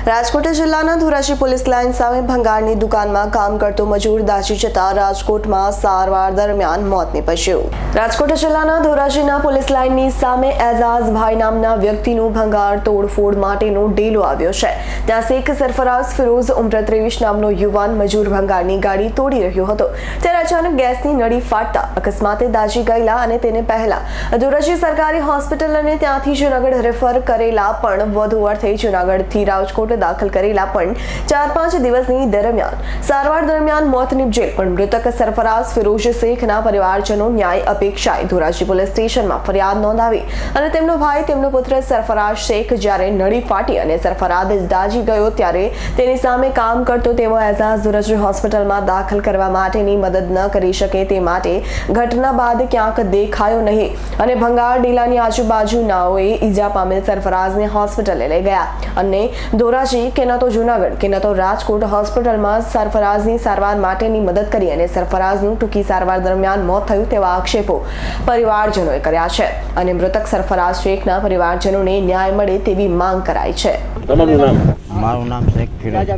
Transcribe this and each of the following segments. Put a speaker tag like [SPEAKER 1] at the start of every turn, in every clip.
[SPEAKER 1] રાજકોટ જિલ્લાના Dhoraji police line સામે ભંગારની દુકાનમાં કામ કરતો મજૂર દાઝી જતા રાજકોટમાં સારવાર દરમિયાન મોત નીપજ્યું। રાજકોટ જિલ્લાના ધોરાજીના પોલીસ લાઇનની સામે એઝાઝભાઈ નામના વ્યક્તિનું ભંગાર તોડફોડ માટેનો ડેલો આવ્યો છે। ત્યાં શેખ સરફરાઝ ફિરોઝ ઉમ્ર 23 નામનો યુવાન મજૂર ભંગારની ગાડી તોડી રહ્યો હતો। ત્યારે અચાનક ગેસની નળી ફાટતા અકસ્માતે દાઝી ગયેલા અને તેને પહેલા ધોરાજી સરકારી હોસ્પિટલ અને ત્યાંથી જૂનાગઢ રેફર કરેલા પણ વધુ અર્થે જૂનાગઢથી રાજકોટ દાખલ કરેલા પણ 4-5 દિવસની દરમિયાન સારવાર દરમિયાન મોત નીપજેલ પણ મૃતક સરફરાઝ ફિરોઝ શેખના પરિવારજનો ન્યાય અપેક્ષાએ ધોરાજી પોલીસ સ્ટેશનમાં ફરિયાદ નોંધાવી અને તેમનો ભાઈ તેમનો પુત્ર સરફરાઝ શેખ જ્યારે નળી ફાટી અને સરફરાઝ દાઝી ગયો ત્યારે તેની સામે કામ કરતો તેવો એઝાઝ ધોરાજી હોસ્પિટલમાં દાખલ કરવા માટેની મદદ ન કરી શકે તે માટે ઘટના બાદ ક્યાંક દેખાયો નહીં અને ભંગાર ડીલાની આજુબાજુનાઓએ ઈજા પામેલ સરફરાઝને હોસ્પિટલે લઈ ગયા અને ધોરાજી કે ન તો જૂનાગઢ કે ન તો રાજકોટ હોસ્પિટલમાં સરફરાઝની સારવાર માટેની મદદ કરી અને સરફરાઝનું ટૂંકી સારવાર દરમિયાન મોત થયું તેવા આક્ષેપો પરિવારજનોએ કર્યા છે અને મૃતક સરફરાઝ શેખના પરિવારજનોને ન્યાય મળે તેવી માંગ કરાઈ છે।
[SPEAKER 2] તમારું નામ?
[SPEAKER 3] મારું નામ શેખ ફિરોઝ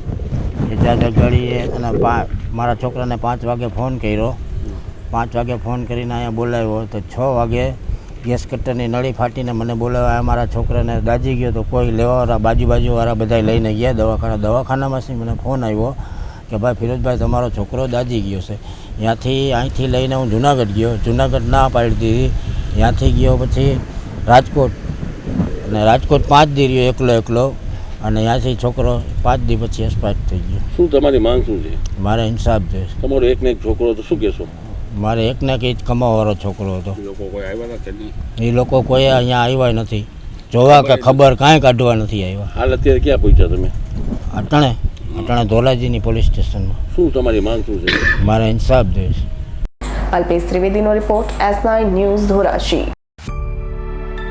[SPEAKER 3] ગાડી અને મારા છોકરાને 5 વાગે ફોન કર્યો। 5 વાગે ફોન કરીને અહીંયા બોલાવ્યો તો 6 વાગે ગેસ કટરની નળી ફાટીને મને બોલાવ્યા। મારા છોકરાને દાઝી ગયો તો કોઈ લેવાવાળા બાજુવાળા બધા લઈને ગયા દવાખાનામાંથી મને ફોન આવ્યો કે ભાઈ ફિરોઝભાઈ તમારો છોકરો દાઝી ગયો છે। અહીંથી લઈને હું જૂનાગઢ ગયો, જૂનાગઢ ના પાડી દીધી। ત્યાંથી ગયો પછી રાજકોટ અને રાજકોટ 5 દી રહ્યો એકલો અને ત્યાંથી છોકરો 5 દી પછી એક્સપાયર થઈ ગયો।
[SPEAKER 2] શું તમારી માંગ શું છે?
[SPEAKER 3] મારે ઇન્સાફ જોઈએ।
[SPEAKER 2] તમારો એકને એક છોકરો તો શું કહેશો?
[SPEAKER 3] મારે એકને એક જ કમાવાવાળો છોકરો હતો। એ લોકો કોઈ અહીંયા આવ્યા નથી, જોવા કે ખબર કાંઈ કાઢવા નથી આવ્યા।
[SPEAKER 2] હાલ અત્યારે ક્યાં પહોંચ્યા તમે?
[SPEAKER 3] અટાણે ધોરાજીની પોલીસ સ્ટેશનમાં।
[SPEAKER 2] શું તમારી માંગ શું છે?
[SPEAKER 3] મારે ઇન્સાફ જોઈએ।
[SPEAKER 1] અલ્પેશ ત્રિવેદીનો રિપોર્ટ, S9 ન્યૂઝ ધોરાજી।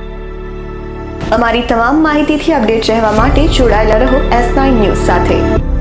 [SPEAKER 1] અમારી તમામ માહિતીથી અપડેટ રહેવા માટે જોડાયેલા રહો S9 ન્યૂઝ સાથે।